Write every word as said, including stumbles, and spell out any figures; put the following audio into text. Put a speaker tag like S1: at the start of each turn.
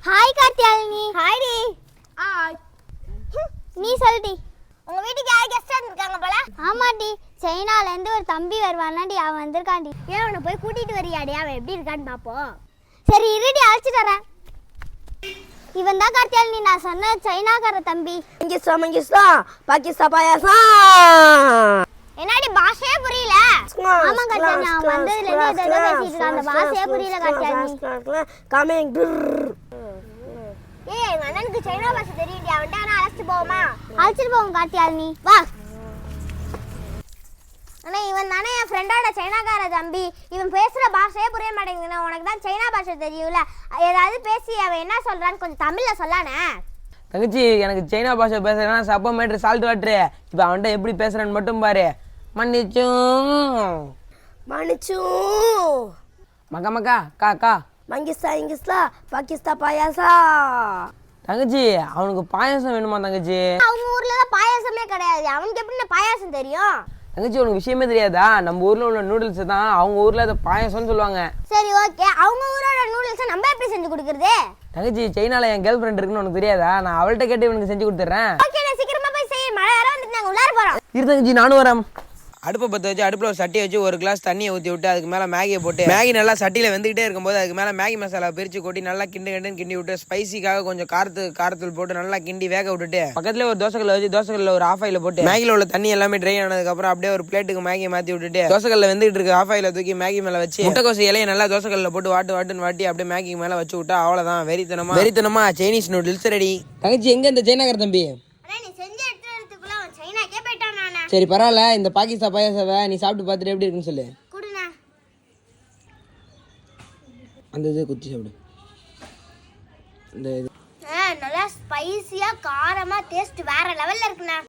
S1: Hi Karthiyalini.
S2: Hi டி.
S1: Hi. நீ சொல்டி.
S2: உங்க வீட்டுக்கு யார் கெஸ்ட் வந்திருக்காங்க போல?
S1: ஆமாடி, சைனால இருந்து ஒரு தம்பி வருவானாடி, அவன் வந்திருக்காண்டி.
S2: ஏன் அவனை போய் கூட்டிட்டு வரியாடி, அவன் எப்படி இருக்கான்னு பாப்போம்.
S1: சரி இருடி, அழைச்சிட்டு வரேன். இவன் தான் கார்த்தியாலினி, நான் சொன்ன சைனாக்கார தம்பி.
S2: இங்க சமங்கிஸ்தா பாகிஸ்தான் பாயாசம்.
S1: என்னடி பாஷையே புரியல? ஆமா கார்த்தியாலினி, அவன் வந்ததுல இருந்து ஏதோ பேசிட்டு இருக்கான், அந்த பாஷையே புரியல கார்த்தியாலினி.
S2: கமிங். ஏய், எங்க அண்ணனுக்கு சைனா பாஷை தெரியும்டி, அவன்ட்ட நான் அழைச்சிட்டு போவோமா?
S1: அழைச்சிட்டு போவோம் கார்த்தியாலினி, வா.
S2: ஆனா இவன் தானே என் ஃப்ரெண்டோட சைனாக்கார தம்பி. இவன் பேசுற பாஷையே புரிய மாட்டேங்குதுண்ணா. உனக்கு தான் சைனா பாஷை தெரியும்ல, ஏதாவது பேசி அவன் என்ன சொல்றான்னு கொஞ்சம் தமிழ்ல சொல்லானே.
S3: தங்கச்சி, எனக்கு சைனா பாஷை பேசுறேன்னா சப்ப மேட்ரு சால்ட் வாட்ரு. இப்போ அவன்கிட்ட எப்படி பேசுறேன்னு மட்டும் பாரு. மன்னிச்சும்
S2: மன்னிச்சும்
S3: மக்கா மக்கா கா கா
S2: மங்கிஸ்தா இங்கிஸ்தா பாகிஸ்தான் பாயாசா.
S3: தங்கச்சி, அவனுக்கு பாயாசம் வேணுமா தங்கச்சி?
S2: அவங்க ஊர்ல தான் பாயாசமே கிடையாது, அவனுக்கு எப்படி பாயாசம் தெரியும்?
S3: தங்கச்சி, உனக்கு விஷயமே தெரியாதா? நம்ம ஊர்ல உள்ள நூடுல்ஸ் தான் அவங்க ஊர்ல அதை பாயாசம்னு சொல்லுவாங்க.
S2: சரி ஓகே, அவங்க ஊரோட நூடுல்ஸை நம்ம எப்படி செஞ்சு கொடுக்கறது?
S3: தங்கச்சி, சைனால என் கேர்ள் ஃப்ரெண்ட் இருக்குன்னு உனக்கு தெரியாதா? நான் அவள்கிட்ட கேட்டு இவனுக்கு செஞ்சு கொடுத்துட்றேன்.
S2: ஓகே, நான் சீக்கிரமா போய் செய்ய. மழை வர வந்துட்டு நாங்க உள்ளார போறோம்.
S3: இரு தங்கச்சி, நானும் வரேன். அடுப்பை பற்ற வச்சு அடுப்பில் ஒரு சட்டியை வச்சு ஒரு கிளாஸ் தண்ணியை ஊற்றி விட்டு அதுக்கு மேலே மேகியை போட்டு மேகி நல்லா சட்டியில் வெந்துக்கிட்டே இருக்கும்போது அதுக்கு மேலே மேகி மசாலா பிரித்து கொட்டி நல்லா கிண்டு கிண்டுன்னு கிண்டி விட்டு ஸ்பைசிக்காக கொஞ்சம் காரத்து காரத்தூள் போட்டு நல்லா கிண்டி வேக விட்டுட்டு பக்கத்துல ஒரு தோசைக்கல்ல வச்சு தோசைக்கல்ல ஒரு ஆஃப் ஆயில் போட்டு மேகியில் உள்ள தண்ணி எல்லாமே ட்ரை ஆனதுக்கப்புறம் அப்படியே ஒரு பிளேட்டுக்கு மேகியை மாற்றி விட்டுட்டு தோசைக்கல்ல வெந்துகிட்டு இருக்கு ஆஃப் ஆயில தூக்கி மேகி மேலே வச்சு முட்டைக்கோசு இலையை நல்லா தோசைக்கல்ல போட்டு வாட்டு வாட்டுன்னு வாட்டி அப்படியே மேகிக்கு மேலே வச்சு விட்டா அவ்வளோதான். வெறித்தனமா வெறித்தனமா சைனீஸ் நூடுல்ஸ் ரெடி. தங்கச்சி, எங்க இந்த சைனாக்கார தம்பி? சரி பரவாயில்ல, இந்த பாகிஸ்தான் பாயாசவை நீ சாப்பிட்டு பார்த்துட்டு எப்படி இருக்குன்னு சொல்லு. அந்த இது குத்தி சாப்பிடு. இந்த இது
S2: நல்லா ஸ்பைசியா காரமா டேஸ்ட் வேற லெவல்ல இருக்குண்ணா.